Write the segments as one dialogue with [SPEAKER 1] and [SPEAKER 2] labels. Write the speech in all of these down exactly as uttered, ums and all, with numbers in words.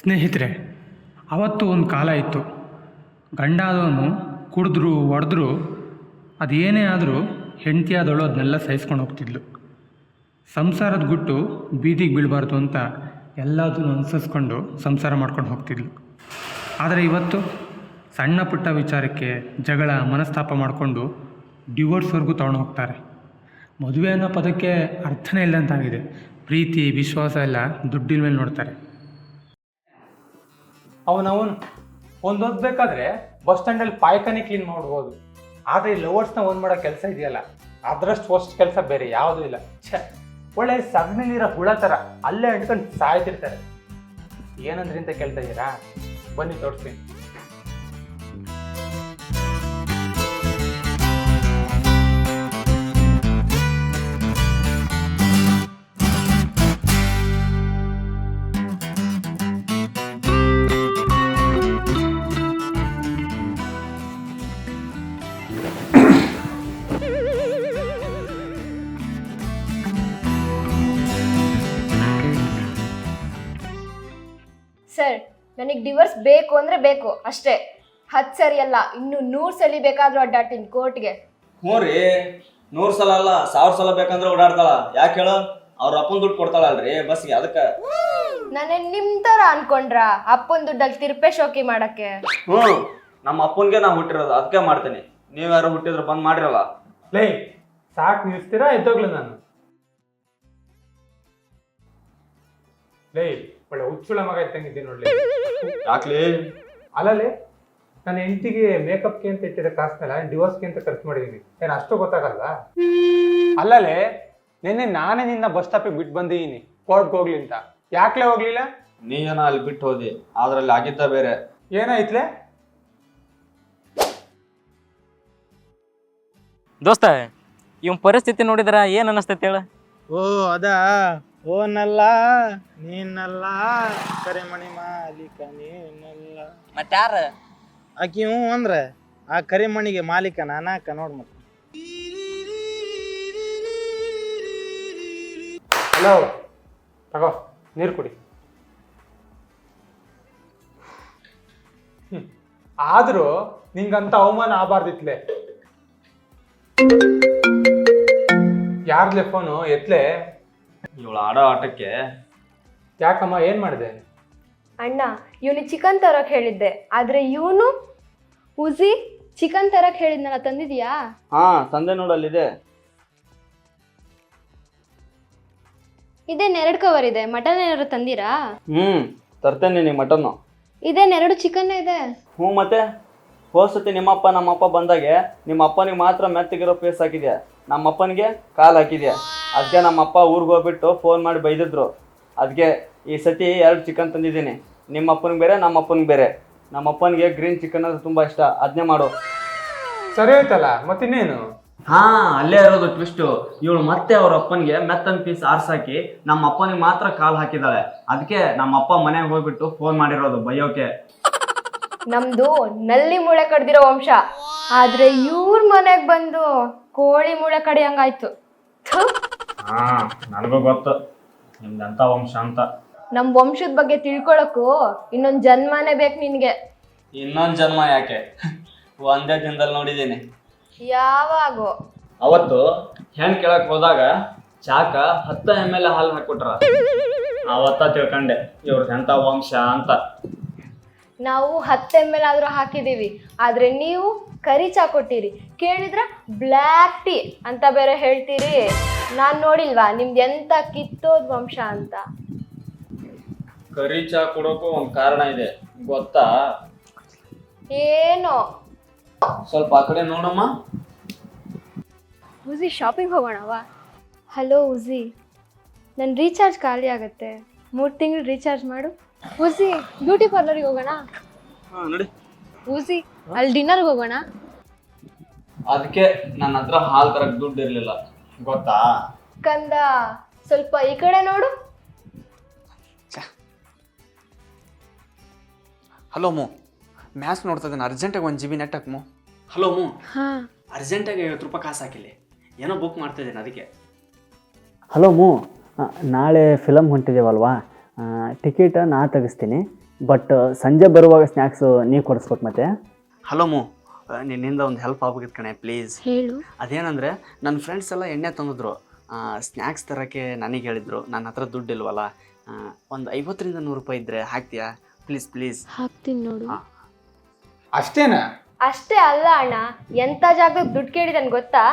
[SPEAKER 1] ಸ್ನೇಹಿತರೆ, ಅವತ್ತು ಒಂದು ಕಾಲ ಇತ್ತು. ಗಂಡಾದವನು ಕುಡಿದ್ರು ಹೊಡೆದ್ರು ಅದೇನೇ ಆದರೂ ಹೆಂಡತಿಯಾದವಳು ಅದನ್ನೆಲ್ಲ ಸಹಿಸ್ಕೊಂಡು ಹೋಗ್ತಿದ್ಲು. ಸಂಸಾರದ ಗುಟ್ಟು ಬೀದಿಗೆ ಬೀಳಬಾರ್ದು ಅಂತ ಎಲ್ಲದನ್ನು ಅನುಸರಿಸ್ಕೊಂಡು ಸಂಸಾರ ಮಾಡ್ಕೊಂಡು ಹೋಗ್ತಿದ್ಲು. ಆದರೆ ಇವತ್ತು ಸಣ್ಣ ಪುಟ್ಟ ವಿಚಾರಕ್ಕೆ ಜಗಳ ಮನಸ್ತಾಪ ಮಾಡಿಕೊಂಡು ಡಿವೋರ್ಸ್ವರೆಗೂ ತೊಗೊಂಡು ಹೋಗ್ತಾರೆ. ಮದುವೆ ಅನ್ನೋ ಪದಕ್ಕೆ ಅರ್ಥನೇ ಇಲ್ಲಂತಾಗಿದೆ. ಪ್ರೀತಿ ವಿಶ್ವಾಸ ಎಲ್ಲ ದುಡ್ಡಿನ ಮೇಲೆ ನೋಡ್ತಾರೆ.
[SPEAKER 2] ಅವನವನು ಒಂದು ಓದ್ಬೇಕಾದ್ರೆ ಬಸ್ ಸ್ಟ್ಯಾಂಡಲ್ಲಿ ಪಾಯ್ಕಾನೆ ಕ್ಲೀನ್ ಮಾಡ್ಬೋದು, ಆದರೆ ಈ ಲವರ್ಸ್ನ ಒಂದು ಮಾಡೋ ಕೆಲಸ ಇದೆಯಲ್ಲ, ಅದರಷ್ಟು ವರ್ಸ್ಟ್ ಕೆಲಸ ಬೇರೆ ಯಾವುದೂ ಇಲ್ಲ. ಛೆ, ಒಳ್ಳೆ ಸಗಣಿಲಿರೋ ಹುಳ ಥರ ಅಲ್ಲೇ ಅಂಟ್ಕೊಂಡು ಸಾಯ್ತಿರ್ತಾರೆ. ಏನಂದ್ರಿ ಅಂತ ಕೇಳ್ತಾ ಇದ್ದೀರಾ? ಬನ್ನಿ ತೋರಿಸ್ತೀನಿ.
[SPEAKER 3] ಸರ್, ನನಗೆ ಡಿವೋರ್ಸ್ ಬೇಕು ಅಂದರೆ ಬೇಕು ಅಷ್ಟೇ. ಹತ್ತು ಸರಿ ಅಲ್ಲ, ಇನ್ನು ನೂರು ಸಲ ಬೇಕಾದರೂ ಅಡ್ಡಾಡ್ತೀನಿ ಕೋರ್ಟ್ಗೆ.
[SPEAKER 4] ಹ್ಞೂ ರೀ, ನೂರು ಸಲ ಅಲ್ಲ ಸಾವಿರ ಸಲ ಬೇಕಂದ್ರೆ ಓಡಾಡ್ತಾಳ. ಯಾಕೆ ಹೇಳು? ಅವ್ರ ಅಪ್ಪನ ದುಡ್ಡು ಕೊಡ್ತಾಳಲ್ರಿ ಬಸ್ಗೆ, ಅದಕ್ಕೆ.
[SPEAKER 3] ನಾನೇ ನಿಮ್ಮ ಥರ ಅನ್ಕೊಂಡ್ರ ಅಪ್ಪನ ದುಡ್ಡಲ್ಲಿ ತಿರುಪೆ ಶೋಕಿ ಮಾಡಕ್ಕೆ?
[SPEAKER 4] ಹ್ಞೂ, ನಮ್ಮ ಅಪ್ಪನಿಗೆ ನಾ ಹುಟ್ಟಿರೋದು, ಅದಕ್ಕೆ ಮಾಡ್ತೀನಿ. ನೀವು ಯಾರು ಹುಟ್ಟಿದ್ರೆ ಬಂದ್ ಮಾಡಿರಲ್ಲ.
[SPEAKER 2] ಲೈ, ಸಾಕು ನಿಲ್ಸ್ತೀರಾ? ಎದ್ದೋಗ್ಲಿ ನಾನು. ಲೈ, ಒಳ್ಳೆ ಹುಚ್ಚುಳ ಮಗ ಇದ್ದಂಗಿದ್ದೀನಿ ನೋಡ್ಲಿ.
[SPEAKER 4] ಯಾಕ್ಲಿ?
[SPEAKER 2] ಅಲ್ಲಲ್ಲಿ ನನ್ನ ಹೆಂಡತಿಗೆ ಮೇಕಪ್ಗೆ ಅಂತ ಇಟ್ಟಿರೋ ಕಾಸನ್ನೆಲ್ಲ ಡಿವೋರ್ಸ್ಗೆ ಅಂತ ಖರ್ಚು ಮಾಡಿದ್ದೀನಿ. ಏನು ಅಷ್ಟು ಗೊತ್ತಾಗಲ್ಲ? ಅಲ್ಲಲ್ಲೇ ನಿನ್ನೆ ನಾನೇ ನಿನ್ನ ಬಸ್ ಸ್ಟಾಪಿಗೆ ಬಿಟ್ಟು ಬಂದಿದ್ದೀನಿ ಕೋರ್ಟ್ಗೆ ಹೋಗ್ಲಿ ಅಂತ. ಯಾಕ್ಲೆ ಹೋಗ್ಲಿಲ್ಲ?
[SPEAKER 4] ನೀನ ಅಲ್ಲಿ ಬಿಟ್ಟು ಹೋದಿ, ಅದ್ರಲ್ಲಿ ಆಗಿದ್ದ ಬೇರೆ.
[SPEAKER 2] ಏನಾಯ್ತ್ಲೆ?
[SPEAKER 5] ದೋಸ್ತ, ಇವ್ ಪರಿಸ್ಥಿತಿ ನೋಡಿದ್ರ ಏನ್ ಅನಸ್ತೈತಿ ಹೇಳ?
[SPEAKER 6] ಓ ಅದ ಓನಲ್ಲ ನೀನಲ್ಲ ಕರಿಮಣಿ ಮಾಲೀಕ ನೀನಲ್ಲ.
[SPEAKER 5] ಮತ್ತಾರ
[SPEAKER 6] ಆಕಿ ಹ್ಞೂ ಅಂದ್ರೆ ಆ ಕರಿಮಣಿಗೆ ಮಾಲೀಕ ನಾನಾಕ ನೋಡ್ ಮತ್ತೆ.
[SPEAKER 2] ಹಲೋ, ತಗೋ ನೀರು ಕುಡಿ. ಹ್ಮ್ ಆದ್ರೂ ನಿಂಗಂತ ಅವಮಾನ ಆಗಬಾರ್ದಿತ್ಲೆ. ಯಾರ್ಲೆ ಫೋನು? ಎತ್ಲೆ.
[SPEAKER 4] ಇವಳು ಆಡೋ ಆಟಕ್ಕೆ.
[SPEAKER 2] ಯಾಕಮ್ಮ, ಏನ್ ಮಾಡಿದೆ?
[SPEAKER 3] ಅಣ್ಣ, ಇವನಿಗೆ ಚಿಕನ್ ತರಕ್ ಹೇಳಿದ್ದೆ, ಆದ್ರೆ ಇವನು ಉಜಿ ಚಿಕನ್ ತರಕ್ ಹೇಳಿದ್ನಲ್ಲ, ತಂದಿದ್ಯಾ?
[SPEAKER 4] ಹಾ ತಂದೆ ನೋಡಲ್ಲಿದೆ.
[SPEAKER 3] ಇದೇನ್ ಎರಡು ಕವರ್ ಇದೆ, ಮಟನ್ ಏನಾದ್ರು ತಂದಿರಾ?
[SPEAKER 4] ಹ್ಮ್ ತರ್ತೇನೆ ನಿನಗೆ ಮಟನ್ನು.
[SPEAKER 3] ಇದೇನ್ ಎರಡು ಚಿಕನ್ ಇದೆ?
[SPEAKER 4] ಹ್ಞೂ ಮತ್ತೆ ಹೋಸತಿ ನಿಮ್ಮಪ್ಪ ನಮ್ಮಪ್ಪ ಬಂದಾಗೆ ನಿಮ್ಮ ಅಪ್ಪನಿಗೆ ಮಾತ್ರ ಮೆತ್ತಗಿರೋ ಪೇಸ್ ಹಾಕಿದ್ಯಾ, ನಮ್ಮ ಅಪ್ಪನಿಗೆ ಕಾಲು ಹಾಕಿದ್ಯಾ. ಅದಕ್ಕೆ ನಮ್ಮಪ್ಪ ಊರಿಗೆ ಹೋಗ್ಬಿಟ್ಟು ಫೋನ್ ಮಾಡಿ ಬೈದಿದ್ರು. ಅದಕ್ಕೆ ಈ ಸತಿ ಎರಡು ಚಿಕನ್ ತಂದಿದ್ದೀನಿ. ನಿಮ್ಮ ಅಪ್ಪನಿಗೆ ಬೇರೆ ನಮ್ಮ ಅಪ್ಪನಿಗೆ ಬೇರೆ. ನಮ್ಮ ಅಪ್ಪನಿಗೆ ಗ್ರೀನ್ ಚಿಕನ್ ಅಂದ್ರೆ ತುಂಬ ಇಷ್ಟ, ಅದನ್ನೇ ಮಾಡು.
[SPEAKER 2] ಸರಿ ಆಯ್ತಲ್ಲ, ಮತ್ತಿನ್ನೇನು?
[SPEAKER 4] ಹಾ ಅಲ್ಲೇ ಇರೋದು ಟ್ವಿಸ್ಟು. ಇವಳು ಮತ್ತೆ ಅವ್ರ ಅಪ್ಪನಿಗೆ ಮೆತ್ತನ್ ಪೀಸ್ ಆರ್ಸಾಕಿ ನಮ್ಮ ಅಪ್ಪನಿಗೆ ಮಾತ್ರ ಕಾಲು ಹಾಕಿದ್ದಾಳೆ. ಅದಕ್ಕೆ ನಮ್ಮ ಅಪ್ಪ ಮನೆಗೆ ಹೋಗ್ಬಿಟ್ಟು ಫೋನ್ ಮಾಡಿರೋದು ಬೈಯೋಕೆ.
[SPEAKER 3] ನಮ್ದು ನಲ್ಲಿ ಮೂಳೆ ಕಡ್ದಿರೋ ವಂಶ, ಆದ್ರೆ ಇವ್ರ ಮನೆಗ್ ಬಂದು ಕೋಳಿ ಮೂಳೆ ಕಡಿಯಂಗಾಯ್ತು.
[SPEAKER 4] ಹಾ ನನಗೂ ಗೊತ್ತು ನಿಮ್ದಂತ ವಂಶ ಅಂತ.
[SPEAKER 3] ನಮ್ ವಂಶದ ಬಗ್ಗೆ ತಿಳ್ಕೊಳಕ್ಕೂ ಇನ್ನೊಂದ್ ಜನ್ಮನೇ ಬೇಕು ನಿನ್ಗೆ.
[SPEAKER 4] ಇನ್ನೊಂದು ಜನ್ಮ ಯಾಕೆ, ಒಂದೇ ದಿನದಲ್ಲಿ ನೋಡಿದ್ದೀನಿ.
[SPEAKER 3] ಯಾವಾಗೋ
[SPEAKER 4] ಅವತ್ತು ಹೆಣ್ ಕೇಳಕ್ ಹೋದಾಗ ಚಾಕ ಹತ್ತು ಎಮ್ ಎಲ್ ಹಾಲು ಹಾಕ್ಬಿಟ್ರ. ಅವತ್ತ ತಿಳ್ಕೊಂಡೆ ಇವ್ರದ್ದು ಎಂತ ವಂಶ ಅಂತ.
[SPEAKER 3] ನಾವು ಹತ್ತು ಎಮ್ ಎಲ್ ಆದ್ರೂ ಹಾಕಿದೀವಿ, ಆದ್ರೆ ನೀವು ಕರಿ ಚಾ ಕೊಟ್ಟಿರಿ, ಕೇಳಿದ್ರ ಬ್ಲ್ಯಾಕ್ ಟೀ ಅಂತ ಬೇರೆ ಹೇಳ್ತೀರಿ. ನಾನ್ ನೋಡಿಲ್ವಾ ನಿಮ್ದು ಎಂತ ಕಿತ್ತೋದ್ ವಂಶ ಅಂತ?
[SPEAKER 4] ಕರಿ ಚಾ ಕೊಡೋಕು ಒಂದ್ ಕಾರಣ ಇದೆ ಗೊತ್ತಾ?
[SPEAKER 3] ಏನೋ.
[SPEAKER 4] ಸ್ವಲ್ಪ ಆ ಕಡೆ ನೋಡಮ್ಮ.
[SPEAKER 3] ಉಜಿ, ಶಾಪಿಂಗ್ ಹೋಗೋಣವಾ? ಹಲೋ ಉಜಿ, ನನ್ನ ರೀಚಾರ್ಜ್ ಖಾಲಿ ಆಗುತ್ತೆ, ಮೂರು ತಿಂಗಳು ರೀಚಾರ್ಜ್ ಮಾಡು. ಉಜಿ, ಬ್ಯೂಟಿ ಪಾರ್ಲರಿಗೆ ಹೋಗೋಣ?
[SPEAKER 4] ಹಾ ನೋಡಿ.
[SPEAKER 3] ಉಜಿ, ಅಲ್ಲಿ ಡಿನ್ನರ್ಗೆ ಹೋಗೋಣ?
[SPEAKER 4] ಅದಕ್ಕೆ ನನ್ನ ಹತ್ರ ಹಾಲು ತರಕ್ ದುಡ್ಡು ಇರ್ಲಿಲ್ಲ ಗೊತ್ತಾ?
[SPEAKER 3] ಕಂದ, ಸ್ವಲ್ಪ ಈ ಕಡೆ ನೋಡು.
[SPEAKER 7] ಹಲೋ ಮು, ಮ್ಯಾಚ್ ನೋಡ್ತಾ ಇದ್ದಾನೆ, ಅರ್ಜೆಂಟಾಗಿ ಒಂದು ಜಿ ಬಿ ನೆಟ್ ಹಾಕ್ಮು. ಹಲೋ ಮು,
[SPEAKER 3] ಹಾಂ
[SPEAKER 7] ಅರ್ಜೆಂಟಾಗಿ ಐವತ್ತು ರೂಪಾಯಿ ಕಾಸು ಹಾಕಿಲ್ಲ, ಏನೋ ಬುಕ್ ಮಾಡ್ತಾ ಇದ್ದೇನೆ ಅದಕ್ಕೆ.
[SPEAKER 8] ಹಲೋ ಮು, ನಾಳೆ ಫಿಲಮ್ ಹೊಂಟಿದ್ದೇವಲ್ವಾ, ಟಿಕೆಟ್ ನಾ ತೆಗಿಸ್ತೀನಿ,
[SPEAKER 4] ಬಟ್ ಸಂಜೆ ಬರುವಾಗ ಸ್ನ್ಯಾಕ್ಸು ನೀವು ಕೊಡಿಸ್ಬೇಕು ಮತ್ತೆ. ಹಲೋ ಮು, ನಿನ್ನಿಂದ ಒಂದು ಹೆಲ್ಪ್ ಆಗ್ಬೇಕಿತ್ತು ಕಣೆ ಪ್ಲೀಸ್.
[SPEAKER 3] ಹೇಳು.
[SPEAKER 4] ಅದೇನಂದರೆ ನನ್ನ ಫ್ರೆಂಡ್ಸ್ ಎಲ್ಲ ಎಣ್ಣೆ ತಂದಿದ್ರು, ಸ್ನ್ಯಾಕ್ಸ್ ತರೋಕ್ಕೆ ನನಗೆ ಹೇಳಿದರು. ನನ್ನ ಹತ್ರ ದುಡ್ಡು ಇಲ್ವಲ್ಲ, ಒಂದು ಐವತ್ತರಿಂದ ನೂರು ರೂಪಾಯಿ ಇದ್ದರೆ ಹಾಕ್ತೀಯಾ ಪ್ಲೀಸ್ ಪ್ಲೀಸ್?
[SPEAKER 3] ಹಾಕ್ತೀನಿ ನೋಡು.
[SPEAKER 2] ಅಷ್ಟೇನಾ?
[SPEAKER 3] ಅಷ್ಟೇ ಅಲ್ಲ ಅಣ್ಣ, ಎಂಥ ಜಾಗದಾಗ ದುಡ್ಡು ಕೇಳಿದನ್ ಗೊತ್ತಾ?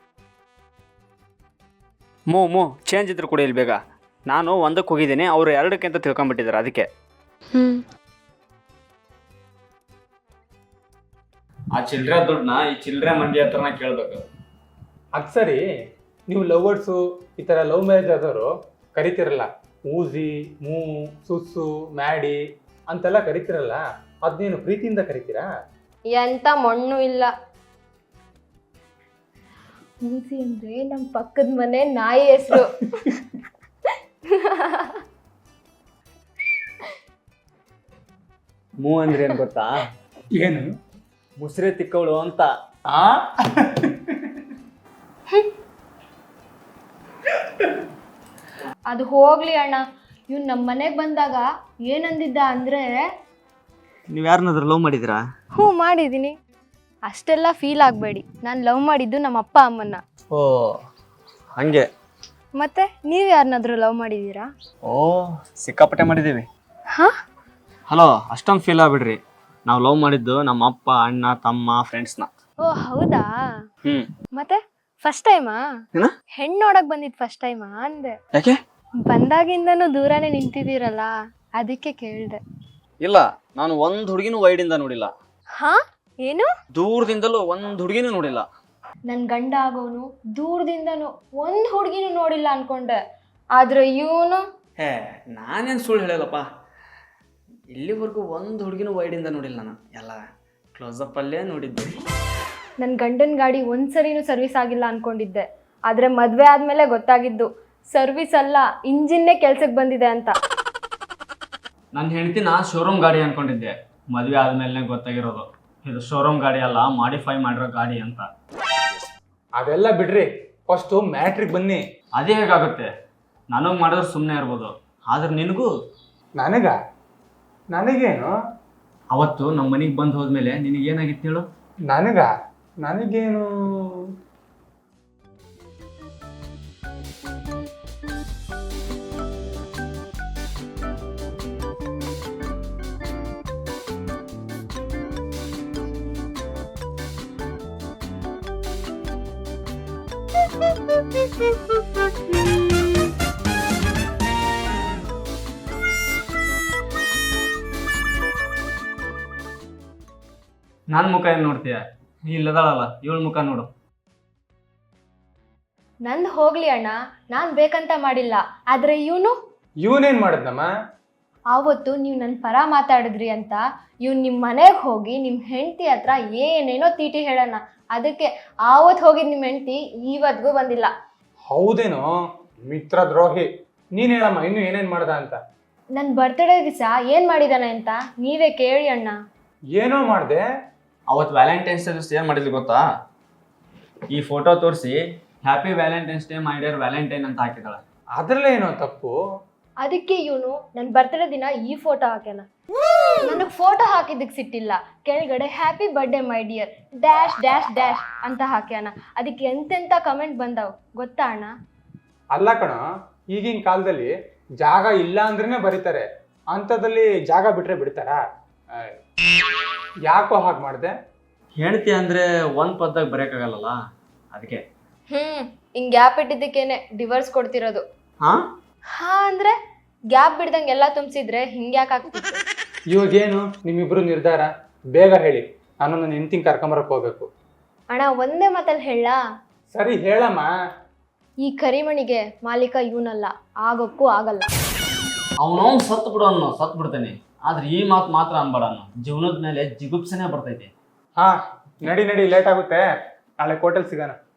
[SPEAKER 4] ಮೂ ಮೂ ಚೇಂಜ್ ಇದ್ರು ಕೂಡ ಇಲ್ಲಿ ಬೇಗ. ನಾನು ಒಂದಕ್ಕೆ ಹೋಗಿದ್ದೀನಿ, ಅವರು ಎರಡಕ್ಕೆ ಅಂತ ತಿಳ್ಕೊಂಬಿಟ್ಟಿದ್ದಾರೆ ಅದಕ್ಕೆ.
[SPEAKER 3] ಹ್ಮ್.
[SPEAKER 4] ಆ ಚಿಲ್ಲರೆ ದುಡ್ಡನ್ನ ಈ ಚಿಲ್ಲರೆ ಮಂದಿ ಹತ್ರನ ಕೇಳಬೇಕು.
[SPEAKER 2] ಅದು ಸರಿ, ನೀವು ಲವರ್ಸು ಈ ಥರ ಲವ್ ಮ್ಯಾರೇಜ್ ಆದವರು ಕರಿತಿರಲ್ಲ, ಊಜಿ, ಮೂ, ಸುಸ್ಸು, ಮ್ಯಾಡಿ ಅಂತೆಲ್ಲ ಕರಿತಿರಲ್ಲ, ಅದನ್ನೇನು ಪ್ರೀತಿಯಿಂದ ಕರಿತೀರಾ?
[SPEAKER 3] ಎಂತ ಮಣ್ಣು ಇಲ್ಲ. ಮೂಸಿ ಅಂದ್ರೆ ನಮ್ಮ ಪಕ್ಕದ ಮನೆ ನಾಯಿ ಹೆಸರು.
[SPEAKER 4] ಮೂ ಅಂದ್ರೆ ಏನು ಗೊತ್ತಾ?
[SPEAKER 2] ಏನು?
[SPEAKER 4] ಮುಸ್ರೆ ತಿಕ್ಕವಳು ಅಂತ.
[SPEAKER 2] ಆ
[SPEAKER 3] ಅದು ಹೋಗ್ಲಿ ಅಣ್ಣ, ಇವ್ನು ನಮ್ಮ ಮನೆಗೆ ಬಂದಾಗ ಏನಂದಿದ್ದ ಅಂದ್ರೆ,
[SPEAKER 4] ನೀವು ಯಾರನ್ನಾದ್ರೂ ಲವ್ ಮಾಡಿದ್ದೀರಾ?
[SPEAKER 3] ಹ್ಞೂ ಮಾಡಿದ್ದೀನಿ. ಅಷ್ಟೆಲ್ಲ ಫೀಲ್ ಆಗಬೇಡಿ, ನಾನು ಲವ್ ಮಾಡಿದ್ದು ನಮ್ಮ ಅಪ್ಪ ಅಮ್ಮನ್ನ.
[SPEAKER 4] ಓ ಹಂಗೆ.
[SPEAKER 3] ಮತ್ತೆ ನೀವು ಯಾರನ್ನಾದ್ರೂ ಲವ್ ಮಾಡಿದ್ದೀರಾ?
[SPEAKER 4] ಓ ಸಿಕ್ಕಾಪಟ್ಟೆ ಮಾಡಿದ್ದೀವಿ.
[SPEAKER 3] ಹಾಂ.
[SPEAKER 4] ಹಲೋ, ಅಷ್ಟೊಂದು ಫೀಲ್ ಆಗ್ಬಿಡ್ರಿ. ನಾವು ಲವ್ ಮಾಡಿದ್ದು ನಮ್ಮ ಅಪ್ಪ, ಅಣ್ಣ, ತಮ್ಮ, ಫ್ರೆಂಡ್ಸ್ನ.
[SPEAKER 3] ಓ ಹೌದಾ?
[SPEAKER 4] ಹ್ಞೂ.
[SPEAKER 3] ಮತ್ತೆ ಫಸ್ಟ್ ಟೈಮಾ?
[SPEAKER 4] ಏನ?
[SPEAKER 3] ಹೆಣ್ಣು ನೋಡಕ್ ಬಂದಿದ್ದು ಫಸ್ಟ್ ಟೈಮಾ ಅಂದೆ.
[SPEAKER 4] ಯಾಕೆ?
[SPEAKER 3] ಬಂದಾಗಿಂದನೂ ದೂರನೇ ನಿಂತಿದ್ದೀರಲ್ಲ, ಅದಕ್ಕೆ ಕೇಳಿದೆ.
[SPEAKER 4] ಇಲ್ಲ, ನಾನು ಒಂದು ಹುಡುಗಿನೂ ವೈಡಿಂದ ನೋಡಿಲ್ಲ.
[SPEAKER 3] ಹಾ? ಏನು?
[SPEAKER 4] ದೂರದಿಂದಲೂ ಒಂದು ಹುಡುಗಿನೂ ನೋಡಿಲ್ಲ.
[SPEAKER 3] ನನ್ನ ಗಂಡ ಆಗೋನು ದೂರದಿಂದನೂ ಒಂದು ಹುಡುಗಿನೂ ನೋಡಿಲ್ಲ ಅನ್ಕೊಂಡೆ, ಆದ್ರೆ ಇವನು.
[SPEAKER 4] ಹೇ, ನಾನೇನು ಸುಳ್ಳು ಹೇಳಲ್ಲಪ್ಪ. ಇಲ್ಲಿವರೆಗೂ ಒಂದು ಹುಡುಗಿನೂ ವೈಡಿಂದ ನೋಡಿಲ್ಲ ನಾನು, ಎಲ್ಲ ಕ್ಲೋಸಪ್ ಅಲ್ಲೇ ನೋಡಿದ್ದೆ.
[SPEAKER 3] ನನ್ನ ಗಂಡನ ಗಾಡಿ ಒಂದ್ಸರಿನೂ ಸರ್ವಿಸ್ ಆಗಿಲ್ಲ ಅನ್ಕೊಂಡಿದ್ದೆ, ಆದ್ರೆ ಮದ್ವೆ ಆದ್ಮೇಲೆ ಗೊತ್ತಾಗಿದ್ದು ಸರ್ವಿಸ್ ಅಲ್ಲ, ಇಂಜಿನ್ನೇ ಕೆಲ್ಸಕ್ಕೆ ಬಂದಿದೆ ಅಂತ.
[SPEAKER 4] ನನ್ನ ಹೆಂಡತಿನ ಶೋರೂಮ್ ಗಾಡಿ ಅನ್ಕೊಂಡಿದ್ದೆ, ಮದುವೆ ಆದ್ಮೇಲೆ ಗೊತ್ತಾಗಿರೋದು ಇದು ಶೋರೂಮ್ ಗಾಡಿ ಅಲ್ಲ, ಮಾಡಿಫೈ ಮಾಡಿರೋ ಗಾಡಿ ಅಂತ.
[SPEAKER 2] ಅದೆಲ್ಲ ಬಿಡ್ರಿ, ಫಸ್ಟು ಮ್ಯಾಟ್ರಿಗೆ ಬನ್ನಿ.
[SPEAKER 4] ಅದೇ ಹೇಗಾಗುತ್ತೆ? ನನಗೆ ಮಾಡಿದ್ರೆ ಸುಮ್ಮನೆ ಇರ್ಬೋದು, ಆದ್ರೆ ನಿನಗೂ.
[SPEAKER 2] ನನಗ? ನನಗೇನು?
[SPEAKER 4] ಅವತ್ತು ನಮ್ಮ ಮನೆಗೆ ಬಂದು ಹೋದ್ಮೇಲೆ ನಿನಗೇನಾಗಿತ್ತು ಹೇಳು?
[SPEAKER 2] ನನಗ? ನನಗೇನು?
[SPEAKER 4] ನನ್ನ ಮುಖ ಏನು ನೋಡ್ತೀಯ? ಇಲ್ಲದಾಳಲ್ಲ, ಇವಳ ಮುಖ ನೋಡು.
[SPEAKER 3] ನಂದು ಹೋಗ್ಲಿ ಅಣ್ಣ, ನಾನು ಬೇಕಂತ ಮಾಡಿಲ್ಲ, ಆದ್ರೆ ಇವನು.
[SPEAKER 2] ಇವನೇನ್ ಮಾಡಿದ್ನಮ್ಮ?
[SPEAKER 3] ಆವತ್ತು ನೀವು ನನ್ನ ಪರ ಮಾತಾಡಿದ್ರಿ ಅಂತ ಇವ್ನು ನಿಮ್ಮ ಮನೆಗೆ ಹೋಗಿ ನಿಮ್ಮ ಹೆಂಡತಿ ಹತ್ರ ಏನೇನೋ ತೀಟಿ ಹೇಳೋಣ, ಅದಕ್ಕೆ ಆವತ್ತು ಹೋಗಿದ್ದು ನಿಮ್ಮ ಹೆಂಡತಿ ಇವತ್ತಿಗೂ ಬಂದಿಲ್ಲ.
[SPEAKER 2] ಹೌದೇನೋ? ಮಿತ್ರ ದ್ರೋಹಿ. ನೀನ್ ಹೇಳಮ್ಮ, ಇನ್ನು ಏನೇನ್ ಮಾಡ್ದ ಅಂತ.
[SPEAKER 3] ನನ್ನ ಬರ್ತ್ಡೇ ದಿವಸ ಏನು ಮಾಡಿದಾನೆ ಅಂತ ನೀವೇ ಕೇಳಿ ಅಣ್ಣ.
[SPEAKER 2] ಏನೋ ಮಾಡಿದೆ?
[SPEAKER 4] ಅವತ್ತು ವ್ಯಾಲೆಂಟೈನ್ಸ್ ಡೇ ದಿವಸ ಏನು ಮಾಡಿದ್ವಿ ಗೊತ್ತಾ? ಈ ಫೋಟೋ ತೋರಿಸಿ happy valentine's day my dear valentine ಅಂತ ಹಾಕಿದಾಳೆ.
[SPEAKER 2] ಅದ್ರಲ್ಲೇ ಏನೋ ತಪ್ಪು?
[SPEAKER 3] ಅದಕ್ಕೆ ಇವನು ನನ್ನ ಬರ್ತ್ಡೇ ದಿನ ಈ ಫೋಟೋ ಹಾಕ್ಯಾನ. ನನಗೆ ಫೋಟೋ ಹಾಕಿದ್ದಕ್ಕೆ ಸಿಟ್ಟಿಲ್ಲ, ಕೆಳಗಡೆ happy birthday my dear dash dash dash ಅಂತ ಹಾಕ್ಯಾನ. ಅದಕ್ಕೆ ಎಂತೆಂಥ ಕಮೆಂಟ್ ಬಂದಾವ್ ಗೊತ್ತಾ ಅಣ್ಣ?
[SPEAKER 2] ಅಲ್ಲ ಕಣ, ಈಗಿನ ಕಾಲದಲ್ಲಿ ಜಾಗ ಇಲ್ಲ ಅಂದ್ರೇನೆ ಬರೀತಾರೆ, ಅಂಥದ್ದಲ್ಲಿ ಜಾಗ ಬಿಟ್ರೆ ಬಿಡ್ತಾರಾ? ಯಾಕೋ ಹಾಗೆ ಮಾಡಿದೆ?
[SPEAKER 4] ಹೆಂಡತಿ ಅಂದರೆ ಒಂದು ಪದ್ದಾಗ ಬರೆಯೋಕ್ಕಾಗಲ್ಲ, ಅದಕ್ಕೆ.
[SPEAKER 3] ಹ್ಞೂ, ಹಿಂಗೆ ಗ್ಯಾಪ್ ಇಟ್ಟಿದ್ದಕ್ಕೇನೆ ಡಿವೋರ್ಸ್ ಕೊಡ್ತಿರೋದು.
[SPEAKER 4] ಹಾಂ
[SPEAKER 3] ಹಾ ಅಂದರೆ ಗ್ಯಾಪ್ ಬಿಡ್ದಂಗೆ ಎಲ್ಲ ತುಂಬಿಸಿದ್ರೆ ಹಿಂಗೆ ಯಾಕೆ ಆಗ್ತಿತ್ತು?
[SPEAKER 2] ಇವಾಗೇನು ನಿಮ್ಮಿಬ್ರು ನಿರ್ಧಾರ? ಬೇಗ ಹೇಳಿ, ನಾನು ನನ್ನ ಹೆಂಡ್ತಿನ ಕರ್ಕೊಂಬರಕ್ಕೆ ಹೋಗ್ಬೇಕು.
[SPEAKER 3] ಅಣ್ಣ ಒಂದೇ ಮಾತಲ್ಲಿ ಹೇಳ.
[SPEAKER 2] ಸರಿ ಹೇಳಮ್ಮ.
[SPEAKER 3] ಈ ಕರಿಮಣಿಗೆ ಮಾಲೀಕ ಇವನಲ್ಲ, ಆಗೋಕ್ಕೂ ಆಗಲ್ಲ.
[SPEAKER 4] ಅವನು ಸತ್ತು ಬಿಡು ಅನ್ನೋ ಸತ್ತು ಬಿಡ್ತಾನೆ, ಆದ್ರೆ ಈ ಮಾತು ಮಾತ್ರ ಅನ್ಬೇಡ ಅನ್ನೋ, ಜೀವನದ ಮೇಲೆ ಜಿಗುಪ್ಸನೆ ಬರ್ತೈತಿ.
[SPEAKER 2] ಹಾ ನಡಿ ನಡಿ, ಲೇಟ್ ಆಗುತ್ತೆ, ನಾಳೆ ಕೋಟೆಲ್ ಸಿಗೋಣ.